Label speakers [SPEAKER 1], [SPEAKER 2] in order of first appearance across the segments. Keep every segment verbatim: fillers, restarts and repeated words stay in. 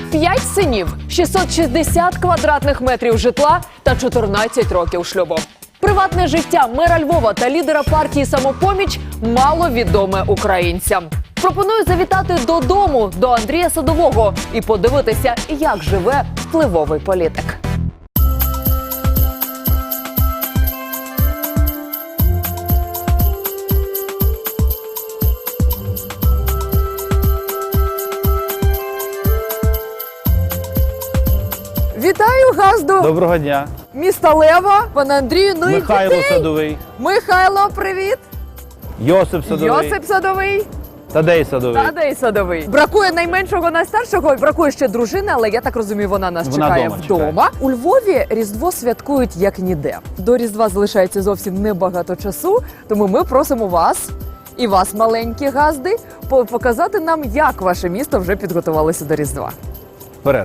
[SPEAKER 1] П'ять синів, шістсот шістдесят квадратних метрів житла та чотирнадцять років шлюбу. Приватне життя мера Львова та лідера партії «Самопоміч» мало відоме українцям. Пропоную завітати додому до Андрія Садового і подивитися, як живе впливовий політик. Вітаю газду
[SPEAKER 2] Доброго дня.
[SPEAKER 1] міста Лева, пане Андрію. Ну
[SPEAKER 2] Михайло
[SPEAKER 1] і дітей.
[SPEAKER 2] Садовий.
[SPEAKER 1] Михайло, привіт.
[SPEAKER 2] Йосип Садовий.
[SPEAKER 1] Йосип Садовий.
[SPEAKER 2] Тадей Садовий.
[SPEAKER 1] Тадей Садовий. Бракує найменшого, найстаршого, бракує ще дружини, але я так розумію, вона нас
[SPEAKER 2] Вона
[SPEAKER 1] чекає
[SPEAKER 2] дома
[SPEAKER 1] вдома.
[SPEAKER 2] чекає.
[SPEAKER 1] У Львові Різдво святкують як ніде. До Різдва залишається зовсім небагато часу, тому ми просимо вас і вас, маленькі газди, по- показати нам, як ваше місто вже підготувалося до Різдва.
[SPEAKER 2] Вперед.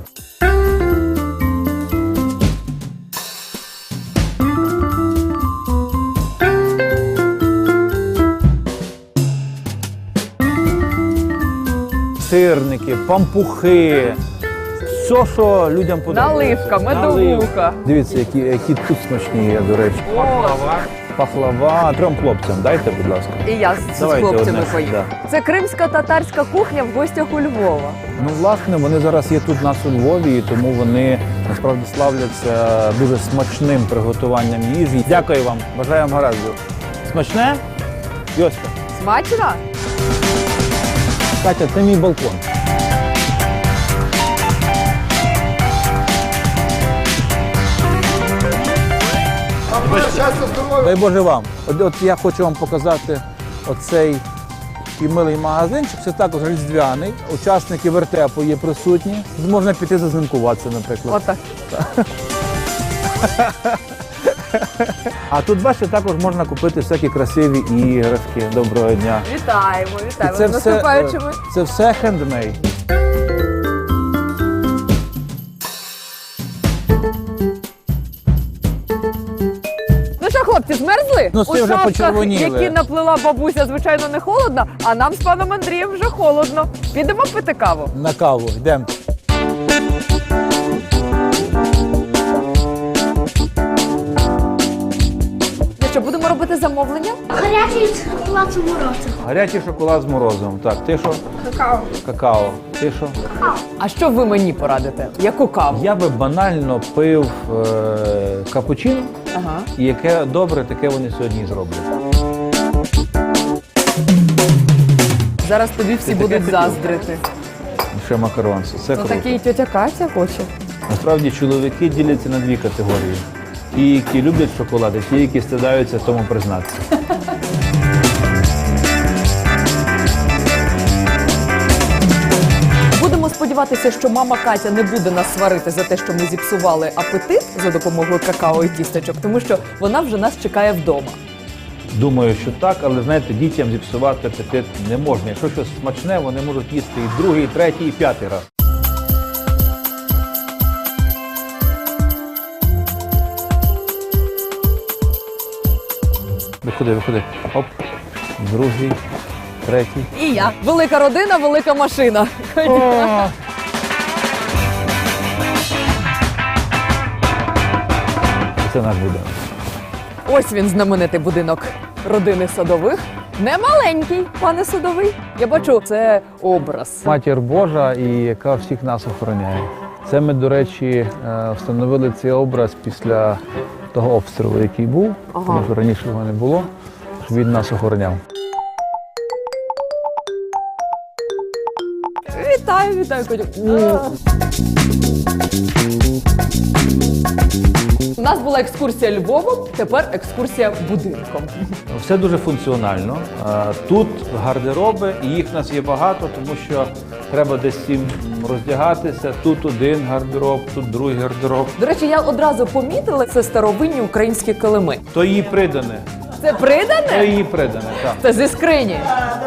[SPEAKER 2] Сирники, пампухи, все, що людям подобається.
[SPEAKER 1] Наливка, медовуха.
[SPEAKER 2] Дивіться, які, які тут смачні є, до речі. Пахлава. Пахлава. Трьом хлопцям дайте, будь ласка.
[SPEAKER 1] І я з, з
[SPEAKER 2] Давайте
[SPEAKER 1] хлопцями
[SPEAKER 2] одне,
[SPEAKER 1] поїду.
[SPEAKER 2] да.
[SPEAKER 1] Це кримська татарська кухня в гостях у Львова.
[SPEAKER 2] Ну, власне, вони зараз є тут у нас у Львові, і тому вони насправді славляться дуже смачним приготуванням їжі. Дякую вам, бажаю вам гаразду. Смачне? Йоська.
[SPEAKER 1] Смачно?
[SPEAKER 2] Катя, це мій балкон. Дай Боже вам. От, от я хочу вам показати оцей такий милий магазинчик. Це також різдвяний. Учасники вертепу є присутні. Можна піти зазнимкуватися, наприклад.
[SPEAKER 1] Отак.
[SPEAKER 2] А тут, бачите, також можна купити всякі красиві іграшки. Доброго дня.
[SPEAKER 1] Вітаємо,
[SPEAKER 2] І
[SPEAKER 1] вітаємо.
[SPEAKER 2] це
[SPEAKER 1] З
[SPEAKER 2] все,
[SPEAKER 1] наступаючими.
[SPEAKER 2] це все хендмейд.
[SPEAKER 1] Ну що, хлопці, змерзли?
[SPEAKER 2] Ну,
[SPEAKER 1] У
[SPEAKER 2] це вже
[SPEAKER 1] шапках,
[SPEAKER 2] почервоніли.
[SPEAKER 1] які наплела бабуся, звичайно, не холодно, а нам з паном Андрієм вже холодно. Підемо пити каву.
[SPEAKER 2] На каву. Йдемо.
[SPEAKER 1] Ну що, будемо робити замовлення?
[SPEAKER 3] Гарячий шоколад з морозивом.
[SPEAKER 2] Гарячий шоколад з морозивом. Так, ти що?
[SPEAKER 3] Какао.
[SPEAKER 2] Какао. Ти що?
[SPEAKER 1] А що ви мені порадите? Яку каву?
[SPEAKER 2] Я би банально пив е- капучино,
[SPEAKER 1] Ага.
[SPEAKER 2] і яке добре, таке вони сьогодні і зроблять.
[SPEAKER 1] Зараз тобі всі
[SPEAKER 2] Ти таке
[SPEAKER 1] будуть
[SPEAKER 2] хотів?
[SPEAKER 1] заздрити.
[SPEAKER 2] Ще макаронці. Це
[SPEAKER 1] Ну
[SPEAKER 2] круто.
[SPEAKER 1] такий тьотя Катя хоче.
[SPEAKER 2] Насправді чоловіки діляться на дві категорії. Ті, які люблять шоколад, і ті, які стидаються тому признатися.
[SPEAKER 1] Будемо сподіватися, що мама Катя не буде нас сварити за те, що ми зіпсували апетит за допомогою какао і тістечок, тому що вона вже нас чекає вдома.
[SPEAKER 2] Думаю, що так, але знаєте, дітям зіпсувати апетит не можна. Якщо щось смачне, вони можуть їсти і другий, і третій, і п'ятий раз. Виходи, виходи. Оп. Другий, третій.
[SPEAKER 1] І я. Велика родина, велика машина.
[SPEAKER 2] Це наш будинок.
[SPEAKER 1] Ось він, знаменитий будинок родини Садових. Не маленький, пане Садовий. Я бачу, це образ.
[SPEAKER 2] Матір Божа, і яка всіх нас охороняє. Це ми, до речі, е, встановили цей образ після того обстрілу, який був,
[SPEAKER 1] Ага.
[SPEAKER 2] тому що раніше його не було, щоб він нас охороняв.
[SPEAKER 1] Вітаю, вітаю, Котю. У нас була екскурсія Львовом, тепер екскурсія будинком.
[SPEAKER 2] Все дуже функціонально. Е, Тут гардероби, і їх в нас є багато, тому що треба десь всім роздягатися. Тут один гардероб, тут другий гардероб.
[SPEAKER 1] До речі, я одразу помітила, це старовинні українські килими.
[SPEAKER 2] То її придане.
[SPEAKER 1] Це
[SPEAKER 2] То
[SPEAKER 1] придане?
[SPEAKER 2] її придане, так.
[SPEAKER 1] Це зі скрині.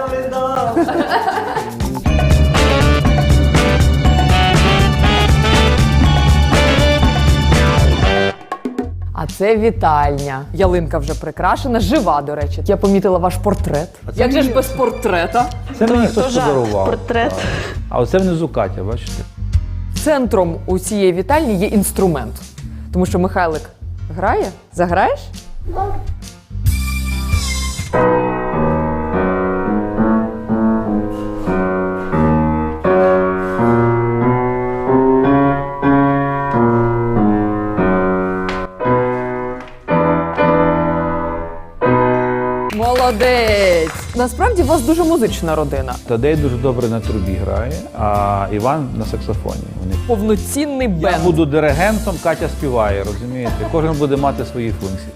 [SPEAKER 1] А це вітальня. Ялинка вже прикрашена, жива, до речі. Я помітила ваш портрет.
[SPEAKER 2] це
[SPEAKER 1] Як же ж
[SPEAKER 2] мені-
[SPEAKER 1] без портрета?
[SPEAKER 2] Це мені хтось
[SPEAKER 3] жах,
[SPEAKER 2] подарував.
[SPEAKER 3] портрет.
[SPEAKER 2] Так. А оце внизу Катя, бачите?
[SPEAKER 1] Центром у цієї вітальні є інструмент. Тому що Михайлик грає? Заграєш? Молодець! Насправді у вас дуже музична родина.
[SPEAKER 2] Тадей дуже добре на трубі грає, а Іван на саксофоні. Вони
[SPEAKER 1] Повноцінний
[SPEAKER 2] Я
[SPEAKER 1] бенд.
[SPEAKER 2] буду диригентом, Катя співає, розумієте? Кожен буде мати свої функції.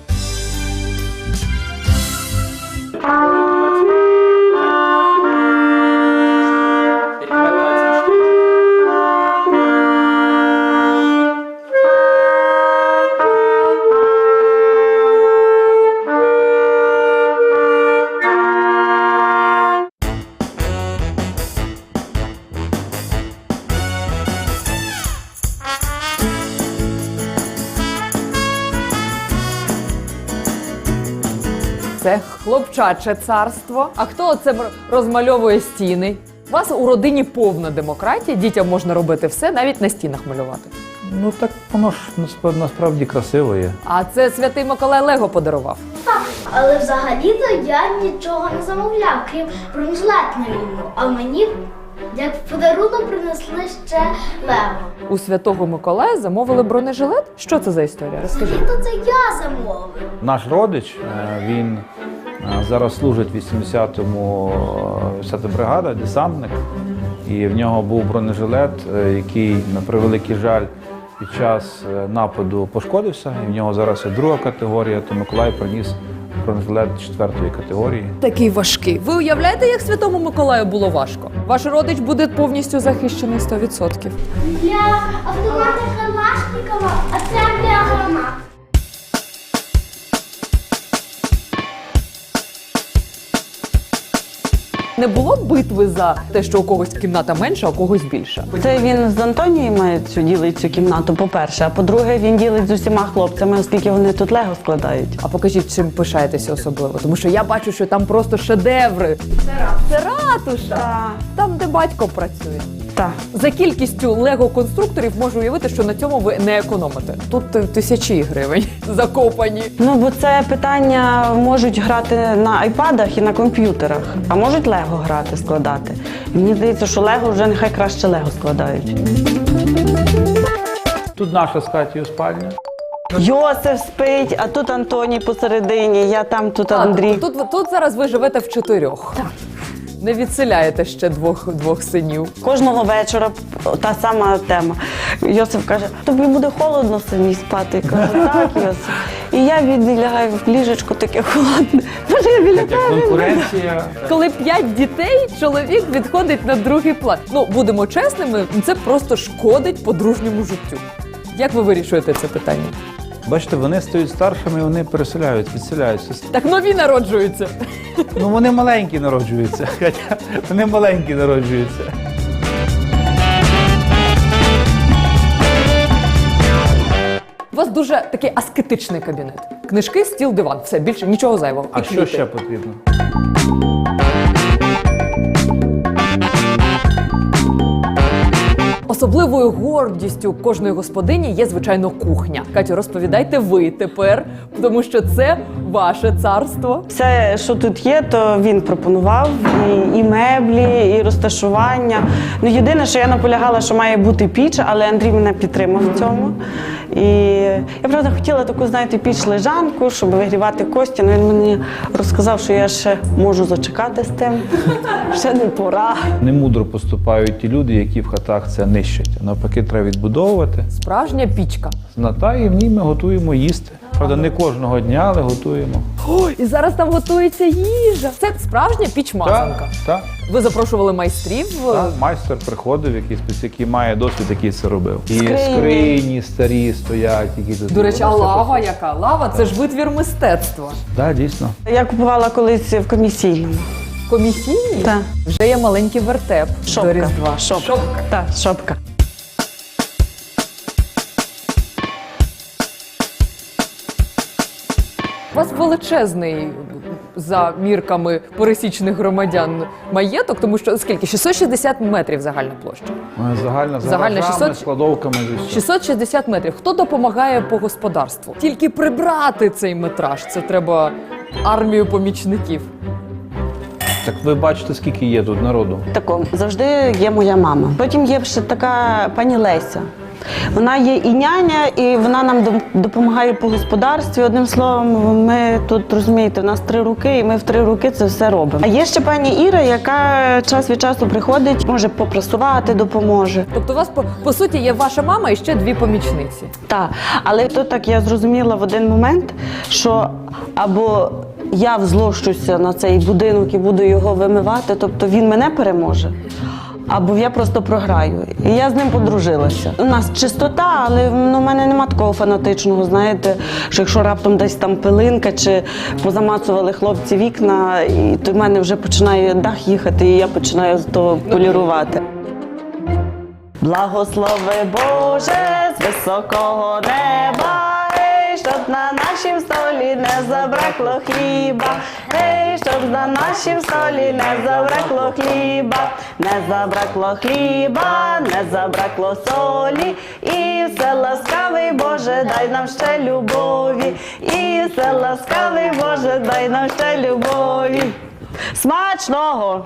[SPEAKER 1] Це хлопчаче царство. А хто це розмальовує стіни? У вас у родині повна демократія, дітям можна робити все, навіть на стінах малювати.
[SPEAKER 2] Ну так воно ж насправді, насправді красиво є.
[SPEAKER 1] А це Святий Миколай Лего подарував.
[SPEAKER 3] Так, але взагалі-то я нічого не замовляв, крім бронежилет на війну. А мені, як подарунок, принесли ще Лего.
[SPEAKER 1] У Святого Миколая замовили бронежилет? Що це за історія? Розкажіть.
[SPEAKER 3] То це я замовив.
[SPEAKER 2] Наш родич, е, він е, зараз служить в вісімдесятому вісімдесята бригада, десантник. І в нього був бронежилет, е, який, на превеликий жаль, під час е, нападу пошкодився. І в нього зараз є друга категорія, то Миколай приніс бронежилет четвертої категорії.
[SPEAKER 1] Такий важкий. Ви уявляєте, як Святому Миколаю було важко? Ваш родич буде повністю захищений сто відсотків.
[SPEAKER 3] Для автомата Калашникова, а це для гранат.
[SPEAKER 1] Не було битви за те, що у когось кімната менша, а у когось більша.
[SPEAKER 4] Це він з Антонією має цю ділить цю кімнату, по-перше. А по-друге, він ділить з усіма хлопцями, оскільки вони тут лего складають.
[SPEAKER 1] А покажіть, чим пишаєтеся особливо, тому що я бачу, що там просто шедеври. Це ратуша.
[SPEAKER 4] Так.
[SPEAKER 1] Там, де батько працює.
[SPEAKER 4] Так.
[SPEAKER 1] За кількістю лего-конструкторів можу уявити, що на цьому ви не економите. Тут е, тисячі гривень закопані.
[SPEAKER 4] Ну, бо це питання можуть грати на айпадах і на комп'ютерах, а можуть лего грати, складати. І мені здається, що лего вже нехай краще лего складають.
[SPEAKER 2] Тут наша з Катєю спальня.
[SPEAKER 4] Йосиф спить, а тут Антоній посередині, я там, тут Андрій.
[SPEAKER 1] Тут, тут, тут зараз ви живете в чотирьох. Так. Не відселяєте ще двох, двох синів.
[SPEAKER 4] Кожного вечора та сама тема. Йосиф каже, тобі буде холодно самі спати. Я кажу, так, Йосиф. І я відлягаю в ліжечко таке холодне. Може, я біля
[SPEAKER 2] Як
[SPEAKER 4] тебе.
[SPEAKER 2] конкуренція.
[SPEAKER 1] Коли п'ять дітей, чоловік відходить на другий план. Ну, будемо чесними, це просто шкодить подружньому життю. Як ви вирішуєте це питання?
[SPEAKER 2] Бачите, вони стають старшими, вони переселяють, відселяються.
[SPEAKER 1] Так нові народжуються.
[SPEAKER 2] Ну вони маленькі народжуються. Хоча вони маленькі народжуються.
[SPEAKER 1] У вас дуже такий аскетичний кабінет. Книжки, стіл, диван. Все, більше нічого зайвого.
[SPEAKER 2] А
[SPEAKER 1] І
[SPEAKER 2] що
[SPEAKER 1] квіти.
[SPEAKER 2] ще потрібно?
[SPEAKER 1] Особливою гордістю кожної господині є, звичайно, кухня. Катю, розповідайте ви тепер, тому що це ваше царство.
[SPEAKER 4] Все, що тут є, то він пропонував. І, і меблі, і розташування. Ну, єдине, що я наполягала, що має бути піч, але Андрій мене підтримав в цьому. І я, правда, хотіла таку, знаєте, піч-лежанку, щоб вигрівати кості. Ну, він мені розказав, що я ще можу зачекати з тим. Ще не пора.
[SPEAKER 2] Немудро поступають ті люди, які в хатах це нищать. Навпаки, треба відбудовувати.
[SPEAKER 1] Справжня пічка.
[SPEAKER 2] Зната, і в ній ми готуємо їсти. Правда, не кожного дня, але готуємо.
[SPEAKER 1] Ой, і зараз там готується їжа. Це справжня піч-мазанка.
[SPEAKER 2] Так, так.
[SPEAKER 1] Ви запрошували майстрів.
[SPEAKER 2] Так, майстер приходив, який, спец- який має досвід, який це робив. І
[SPEAKER 4] Скрині.
[SPEAKER 2] скрині старі стоять, які тут.
[SPEAKER 1] До речі, а
[SPEAKER 2] Воно все
[SPEAKER 1] лава
[SPEAKER 2] просто-
[SPEAKER 1] яка? Лава це ж витвір мистецтва.
[SPEAKER 2] Так, дійсно.
[SPEAKER 4] Я купувала колись в комісійному.
[SPEAKER 1] Комісійні?
[SPEAKER 4] Так.
[SPEAKER 1] Вже є маленький вертеп до
[SPEAKER 4] Шопка.
[SPEAKER 1] Різдва.
[SPEAKER 4] Шопка.
[SPEAKER 1] Шопка.
[SPEAKER 4] Так, шопка.
[SPEAKER 1] У вас величезний за мірками пересічних громадян маєток, тому що скільки? шістсот шістдесят метрів загальна площа.
[SPEAKER 2] Загальна, за
[SPEAKER 1] Загальна
[SPEAKER 2] гаражами,
[SPEAKER 1] шістсот
[SPEAKER 2] складовками. і все.
[SPEAKER 1] шістсот шістдесят метрів. Хто допомагає по господарству? Тільки прибрати цей метраж. Це треба армію помічників.
[SPEAKER 2] Так ви бачите, скільки є тут народу.
[SPEAKER 4] Тако, завжди є моя мама. Потім є ще така пані Леся. Вона є і няня, і вона нам дом- допомагає по господарстві. Одним словом, ми тут, розумієте, у нас три руки, і ми в три руки це все робимо. А є ще пані Іра, яка час від часу приходить, може попрасувати, допоможе.
[SPEAKER 1] Тобто у вас, по, по суті, є ваша мама і ще дві помічниці.
[SPEAKER 4] Так, але то так я зрозуміла в один момент, що або я взлощуся на цей будинок і буду його вимивати, тобто він мене переможе, або я просто програю. І я з ним подружилася. У нас чистота, але ну, в мене нема такого фанатичного, знаєте, що якщо раптом десь там пилинка чи позамацували хлопці вікна, і то в мене вже починає дах їхати, і я починаю з того полірувати. Благослови Боже з високого неба, ей, щоб на нашім столі не забракло хліба, ей, щоб на нашім столі не забракло хліба, не забракло хліба, не забракло солі, і все ласкавий Боже, дай нам ще любові, і все ласкавий Боже, дай нам ще любові. Смачного!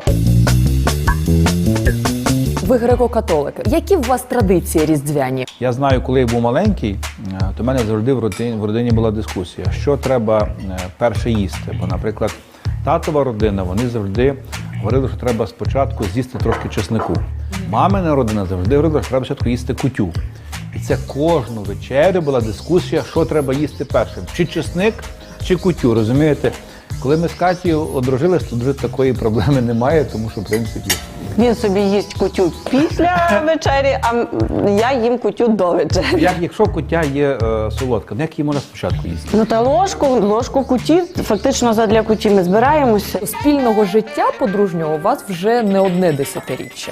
[SPEAKER 1] Ви греко-католики. Які у вас традиції різдвяні?
[SPEAKER 2] Я знаю, коли я був маленький, е, то в мене завжди в родині, в родині була дискусія, що треба е, перше їсти. Бо, наприклад, татова родина, вони завжди говорили, що треба спочатку з'їсти трошки чеснику. Мамина родина завжди говорила, що треба спочатку їсти кутю. І це кожну вечерю була дискусія, що треба їсти першим. Чи чесник, чи кутю, розумієте? Коли ми з Катєю одружились, то вже такої проблеми немає, тому що, в принципі,
[SPEAKER 4] Він собі їсть кутю після вечері, а я їм кутю до вечері.
[SPEAKER 2] як, якщо кутя є е, солодка, ну як її можна спочатку їсти?
[SPEAKER 4] Ну та ложку, ложку куті, фактично задля куті ми збираємося.
[SPEAKER 1] Спільного життя подружнього у вас вже не одне десятиріччя.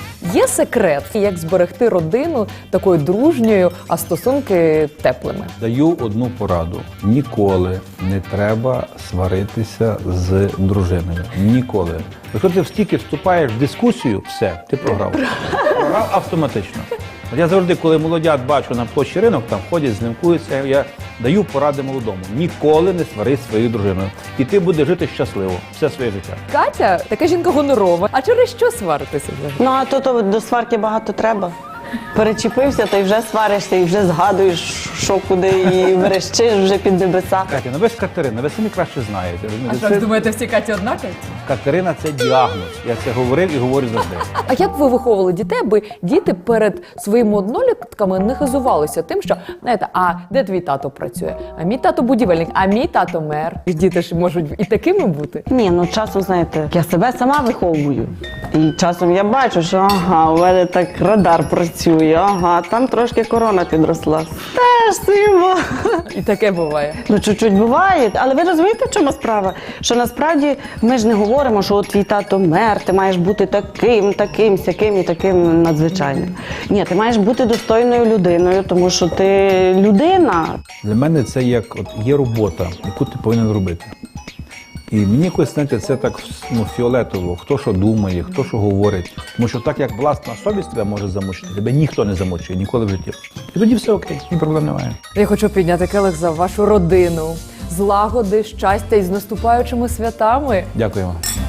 [SPEAKER 1] Є секрет, як зберегти родину такою дружньою, а стосунки теплими?
[SPEAKER 2] Даю одну пораду. Ніколи не треба сваритися з дружиною. Ніколи. Якщо ти стільки вступаєш в дискусію, все, ти програв. Програв автоматично. От я завжди, коли молодят бачу на площі ринок, там ходять, знімкуються, я даю поради молодому. Ніколи не сварись зі своєю дружиною. І ти будеш жити щасливо все своє життя.
[SPEAKER 1] Катя така жінка гонорова. А через що сваритися?
[SPEAKER 4] Ну а то, то до сварки багато треба. Перечепився, то й вже сваришся, і вже згадуєш, що куди, і верещиш вже під небеса.
[SPEAKER 2] Катя, ну ви ж Катерина, ви самі краще знаєте. Це-
[SPEAKER 1] думаєте, всі Каті однакові?
[SPEAKER 2] Катерина – це діагноз. Я це говорив і говорю завжди.
[SPEAKER 1] А як ви виховували дітей, аби діти перед своїми однолітками не хизувалися тим, що, знаєте, а де твій тато працює? А мій тато будівельник, а мій тато мер. І діти ж можуть і такими бути.
[SPEAKER 4] Ні, ну часом, знаєте, я себе сама виховую. І часом я бачу, що ага, у мене так радар працює, ага, там трошки корона підросла. Теж симо.
[SPEAKER 1] І таке буває.
[SPEAKER 4] Ну, чуть-чуть буває, але ви розумієте, в чому справа? Що насправді ми ж не говоримо, що от твій тато мер, ти маєш бути таким, таким, сяким і таким надзвичайним. Ні, ти маєш бути достойною людиною, тому що ти людина.
[SPEAKER 2] Для мене це як от є робота, яку ти повинен робити. І мені якось, знаєте, це так ну, фіолетово, хто що думає, хто що говорить. Тому що так, як власна совість тебе може замучити, тебе ніхто не замучує ніколи в житті. І тоді все окей, ні проблем немає.
[SPEAKER 1] Я хочу підняти келих за вашу родину, злагоди, щастя і з наступаючими святами.
[SPEAKER 2] Дякую вам.